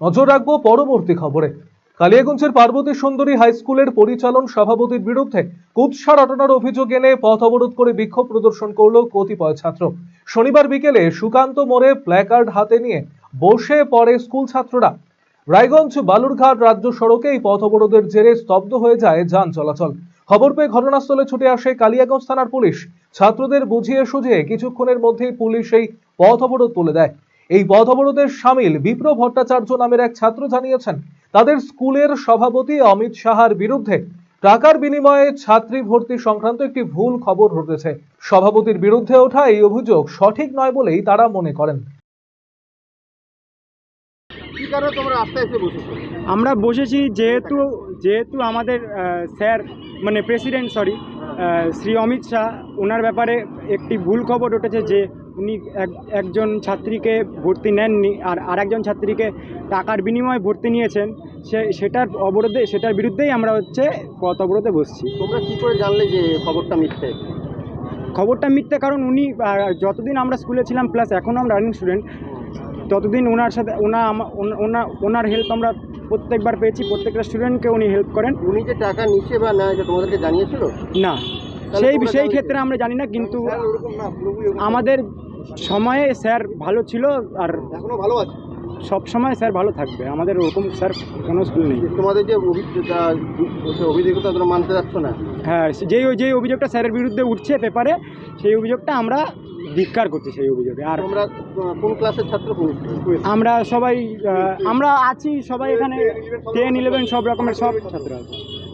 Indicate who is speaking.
Speaker 1: নজর রাখবো পরবর্তী খবরে। কালিয়াগঞ্জের পার্বতী সুন্দরী হাই স্কুলের পরিচালন সভাপতির বিরুদ্ধে কুৎসা রটনার অভিযোগ এনে পথ অবরোধ করে বিক্ষোভ প্রদর্শন করল কতিপয় ছাত্র। শনিবার বিকেলে সুকান্ত মোড়ে প্ল্যাকার্ড হাতে নিয়ে বসে পড়ে স্কুল ছাত্ররা। রায়গঞ্জ বালুরঘাট রাজ্য সড়কে এই পথ অবরোধের জেরে স্তব্ধ হয়ে যায় যান চলাচল। খবর পেয়ে ঘটনাস্থলে ছুটে আসে কালিয়াগঞ্জ থানার পুলিশ। ছাত্রদের বুঝিয়ে সুঝিয়ে কিছুক্ষণের মধ্যেই পুলিশ এই পথ অবরোধ তুলে দেয়। এই পথ অবরোধের সামিল বিপ্র ভট্টাচার্য নামের এক ছাত্র জানিয়েছেন, তাদের স্কুলের সভাপতি অমিত সাহার বিরুদ্ধে টাকার বিনিময়ে ছাত্রী ভর্তি সংক্রান্ত একটি ভুল খবর ঘটেছে। সভাপতির বিরুদ্ধে ওঠা এই অভিযোগ সঠিক নয় বলেই তারা মনে করেন।
Speaker 2: আমরা বসেছি যেহেতু যেহেতু আমাদের স্যার মানে প্রেসিডেন্ট শ্রী অমিত শাহ ওনার ব্যাপারে একটি ভুল খবর উঠেছে যে উনি একজন ছাত্রীকে ভর্তি নেননি আর আরেকজন ছাত্রীকে টাকার বিনিময়ে ভর্তি নিয়েছেন। সেটার বিরুদ্ধেই আমরা পথ অবরোধে বসছি।
Speaker 3: তোমরা কি করে জানলে যে খবরটা মিথ্যে?
Speaker 2: খবরটা মিথ্যে কারণ উনি যতদিন আমরা স্কুলে ছিলাম প্লাস এখনও আমরা রানিং স্টুডেন্ট, ততদিন ওনার সাথে ওনার হেল্প আমরা প্রত্যেকবার পেয়েছি। প্রত্যেকটা স্টুডেন্টকে উনি হেল্প করেন।
Speaker 3: উনি যে টাকা নিচ্ছে বা না এটা তোমাদেরকে জানিয়েছিল?
Speaker 2: না, সেই ক্ষেত্রে আমরা জানি না, কিন্তু আমাদের সময়ে স্যার ভালো ছিল আর
Speaker 3: এখনো ভালো আছে।
Speaker 2: সব সময় স্যার ভালো থাকবে। আমাদের ওরকম স্যার কোনো স্কুল নেই।
Speaker 3: তোমাদের যে অভিযোগতা তোমরা মানতে যাচ্ছ না?
Speaker 2: হ্যাঁ, যেই অভিযোগটা স্যারের বিরুদ্ধে উঠছে পেপারে, সেই অভিযোগটা আমরা ধিক্কার করছি সেই অভিযোগে। আর
Speaker 3: তোমরা কোন ক্লাসের ছাত্র?
Speaker 2: আমরা সবাই আমরা আছি, সবাই এখানে 10, 11 সব রকমের সব ছাত্র আছে।